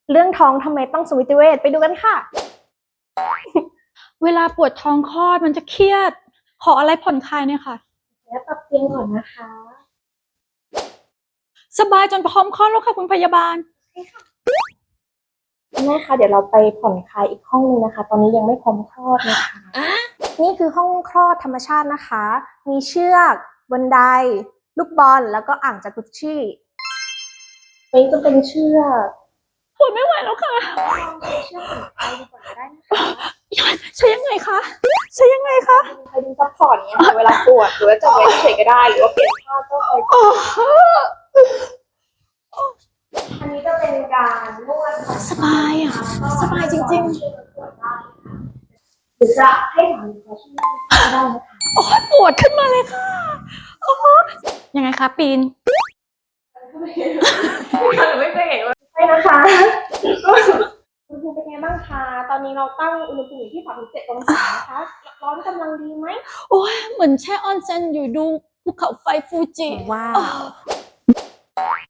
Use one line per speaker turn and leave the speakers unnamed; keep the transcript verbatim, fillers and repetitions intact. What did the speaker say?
เรื่องท้องทำไมต้องสมิติเวชไปดูกันค่ะ
เวลาปวดท้องคลอดมันจะเครียด ขออะไรผ่อนคลายเนี่ยค่ะ
แล้วปรับเตียงก่อนนะคะ
สบายจนพร้อมคลอดแล้วค่ะคุณพยาบาล
แม่คะเดี๋ยวเราไปผ่อนคลายอีกห้องนึงนะคะ ตอนนี้ยังไม่พร้อมคลอดนะคะ นี่คือห้องคลอดธรรมชาตินะคะ มีเชือกบันไดลูกบอลแล้วก็อ่างจากุชชี่นี่จะเป็นเชือก
ปวดไม่ไหวแล้วค่ะ
ใช้เชือกผ่อนคลายดีกว่าก็ได้นะคะ
ใช้ยังไงคะ ใช้ยังไงคะ
ใครดึงซัพพอร์ตเนี้ยค่ะเวลาปวดหรือว่าจะไว้เฉยๆก็ได้หรือว่าเปลี่ยนท่าก็คอย
โอ้โห
อันนี้จะเป็นการนวด
สบายอ่ะ สบายจริงๆ
ๆหรือจะให้สามีเขาช่วยก็ได้นะคะ
โอ้ยปวดขึ้นมาเลยค่ะโอ้ยังไงคะปีน
ไม่เคยเห็นว่าใช่นะคะอุณหภูมิเป็นไงบ้างคะตอนนี้เราตั้งอุณหภูมิอยู่ที่สามสิบเจ็ดองศานะคะร้อนกำลังดีไหม
โอ้ยเหมือนแช่ออนเซ็นอยู่ดูภูเขาไฟฟูจิ
ว้าว
อ้าว